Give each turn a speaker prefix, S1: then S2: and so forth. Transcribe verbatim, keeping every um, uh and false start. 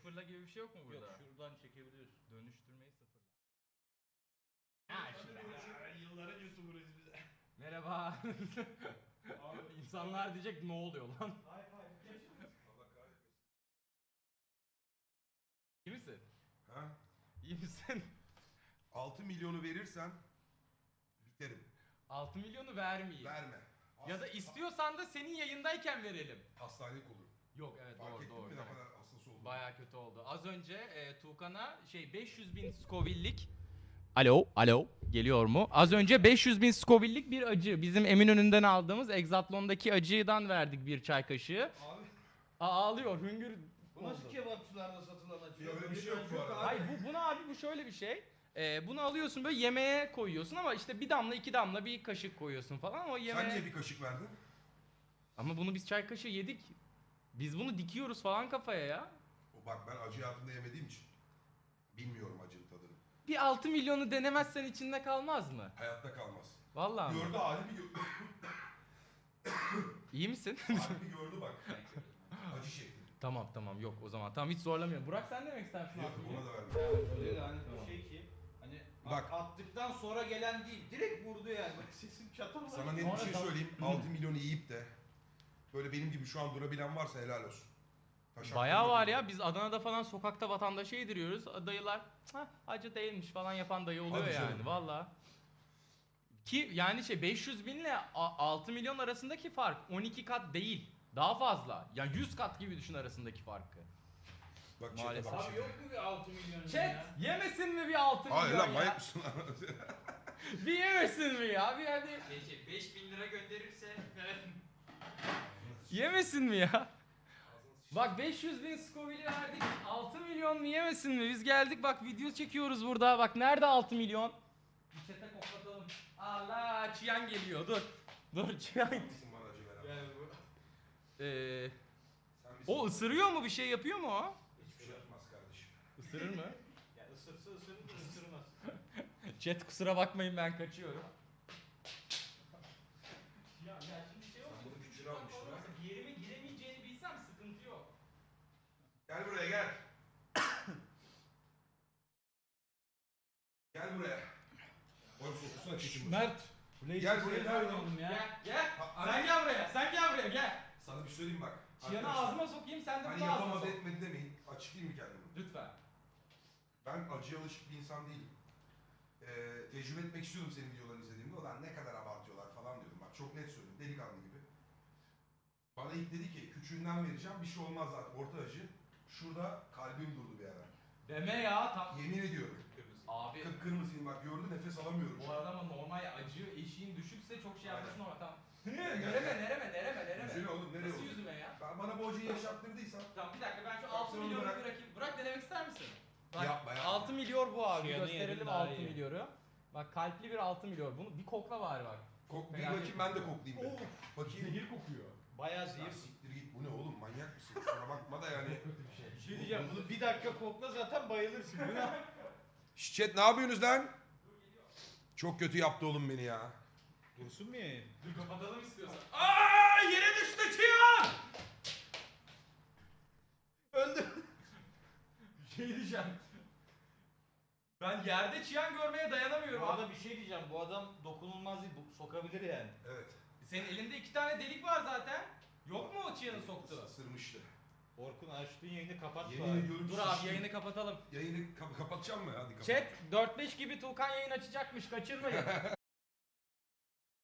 S1: Sıfırla gibi bir şey yok mu burada?
S2: Yok, şuradan çekebiliyorsun.
S1: Dönüştürmeyi sıfırla.
S2: Ha işte.
S3: Yılların YouTuber'ıyız biz.
S1: Merhaba. İnsanlar diyecek ne oluyor lan?
S3: High five.
S4: Allah kahretmesin.
S1: İyi misin?
S4: Ha?
S1: İyi misin?
S4: altı milyonu verirsen biterim.
S1: altı milyonu vermeyeyim.
S4: Verme.
S1: Ya da istiyorsan da senin yayındayken verelim.
S4: Hastanelik olur.
S1: Yok evet
S4: Fark
S1: doğru
S4: ettin
S1: doğru.
S4: mi ne
S1: tamam.
S4: kadar hassas olduğunu?
S1: Baya kötü oldu. Az önce e, Tuğkan'a şey beş yüz bin Scoville'lik. Alo, alo. Geliyor mu? Az önce beş yüz bin Scoville'lik bir acı. Bizim Eminönü'nden aldığımız Exatlon'daki acıdan verdik bir çay kaşığı.
S2: Abi
S1: Aa, ağlıyor, hüngür
S2: bu nasıl
S1: oldu.
S2: kebapçılarda satılan acı?
S4: Ya öyle bir şey yok bu arada.
S1: Hayır bu, bunu abi bu şöyle bir şey. Ee, bunu alıyorsun böyle yemeğe koyuyorsun ama işte bir damla iki damla bir kaşık koyuyorsun falan ama yemeğe...
S4: Sen niye bir kaşık verdin?
S1: Ama bunu biz çay kaşığı yedik. Biz bunu dikiyoruz falan kafaya ya.
S4: O bak ben acı hayatımda yemediğim için bilmiyorum acının tadını.
S1: Bir altı milyonu denemezsen içinde kalmaz mı?
S4: Hayatta kalmaz.
S1: Vallahi mi?
S4: Gördü halimi gördü.
S1: İyi misin?
S4: halimi gördü bak. Acı şekli.
S1: Tamam tamam yok o zaman. Tamam hiç zorlamıyorum. Burak sen ne demek istersin
S4: Yok
S1: altı
S4: ona
S1: milyon?
S4: da verme.
S2: Öyle de hani
S1: Tamam.
S2: bir şey ki hani
S4: Bak.
S2: attıktan sonra gelen değil. Direkt vurdu yani. Bak sesim çatırdı.
S4: Sana net
S1: Sonra
S4: bir şey
S1: da-
S4: söyleyeyim. altı milyonu yiyip de böyle benim gibi şu an durabilen varsa helal olsun. Taşak
S1: Bayağı
S4: durmadı
S1: var
S4: bu.
S1: ya biz Adana'da falan sokakta vatandaşa yediriyoruz. Dayılar "Hah, acı değilmiş falan yapan dayı oluyor
S4: Hadi
S1: yani
S4: canım.
S1: valla. Ki yani şey beş yüz bin ile a- altı milyon arasındaki fark on iki kat değil. Daha fazla. Yani yüz kat gibi düşün arasındaki farkı.
S4: Bak çete
S1: Maalesef.
S4: bak
S2: Abi
S4: çete.
S2: yok mu bir altı milyon
S1: Chat
S2: ya?
S1: yemesin mi bir altı
S4: Hayır
S1: milyon
S4: lan
S1: ya?
S4: manyak mısın lan?
S1: Bir yemesin mi ya? Bir hadi
S5: Peki beş bin lira gönderirse
S1: yemesin mi ya? Bak beş yüz bin Scoville'i verdik. altı milyon mu yemesin mi? Biz geldik bak video çekiyoruz burada. Bak nerede altı milyon? Bir çete koklatalım. Allah Çiyan geliyor dur. Dur Çiyan.
S4: Haklısın bana acı veren.
S2: Yani bu
S1: Ee,
S4: Sen bir
S1: o ısırıyor mu bir şey yapıyor mu o?
S4: hiçbir şey yapmaz kardeşim.
S1: Isırır mı?
S2: ya ısırsa ısırır da ısırmaz.
S1: Chat kusura bakmayın ben kaçıyorum. Ya, ya şimdi şey
S4: Sen
S1: olsun.
S4: bunu küçüğe almışsın ha.
S1: Bir yerime giremeyeceğini bilsem sıkıntı yok.
S4: Gel buraya gel. Gel buraya. Oğlum sokusana çekim.
S3: Mert.
S4: Gel buraya gel.
S1: Gel gel.
S4: Ha,
S1: Sen
S4: hani-
S1: gel buraya. Sen gel buraya gel.
S4: Sana bir şey söyleyeyim bak.
S1: Çiyanı
S4: Arkadaşlar,
S1: ağzıma sokayım sen de
S4: Hani
S1: bunu ağzına sok.
S4: yapamadı etmedi demeyin. Açıklayayım mı kendimi?
S1: Lütfen.
S4: Ben acıya alışık bir insan değilim. Ee, tecrübe etmek istiyordum senin videolarını izlediğimde. Ulan ne kadar abartıyorlar falan diyordum. Bak çok net söylüyorum. Delikanlı gibi. Bana ilk dedi ki küçüğünden vereceğim. Bir şey olmaz zaten. Orta acı. Şurada kalbim durdu bir ara.
S1: Deme ya. Tam...
S4: Yemin ediyorum.
S1: Abi
S4: Kıpkırmızıyım bak gördün nefes alamıyorum.
S1: bu arada ama normal acı eşiğin düşükse çok şey yapmasın ama tamam.
S4: Gel, gel,
S1: nereme
S4: gel.
S1: nereme nereme nereme.
S4: Yüzüne oğlum nereye
S1: Nasıl
S4: oğlum?
S1: yüzüme ya?
S4: Ben bana bu acıyı yaşattırdıysan
S1: Tamam bir dakika ben şu
S4: Bak,
S1: altı
S4: sen onu
S1: milyonu
S4: bırak.
S1: bırakayım. Bırak denemek ister misin? Bak,
S4: Yapma, yapma.
S1: altı milyon bu abi.
S2: Çiyanı
S1: Gösterelim
S2: yedim, daha
S1: altı
S2: iyi.
S1: milyoru. Bak kalpli bir altı milyon. Bunu bir kokla bari bak.
S4: kok, bir
S1: Merak
S4: bakayım
S1: etme.
S4: ben de koklayayım. bir. Bakayım.
S1: kokuyor.
S2: Bayağı
S4: Ya
S2: zehir.
S4: siktir git bu ne oğlum manyak mısın? Kusura bakma da yani.
S2: Bir şey diyeceğim. Bunu bir dakika kokla zaten bayılırsın. Bu ne?
S4: Şşş chat ne yapıyorsunuz lan? Çok kötü yaptı oğlum beni ya.
S2: Dursun mu yayın?
S1: Dur kapatalım istiyorsan. Aa yere düştü Çiyan!
S2: Öldü.
S1: Bir şey diyeceğim. Ben yerde Çiyan görmeye dayanamıyorum
S2: Bu
S1: abi.
S2: arada bir şey diyeceğim. Bu adam dokunulmaz değil. Bu sokabilir yani.
S4: Evet.
S1: Senin elinde iki tane delik var zaten. Yok mu o Çiyan'ı soktu?
S4: Isırmıştı.
S2: Orkun açtığın yayını kapat
S4: Yemin
S2: bari.
S4: ediyorum
S1: Dur abi
S4: şiştim.
S1: yayını kapatalım.
S4: Yayını kap- kapatacağım mı? Hadi kapat.
S1: Chat dört beş gibi Tuğkan yayın açacakmış kaçırmayın.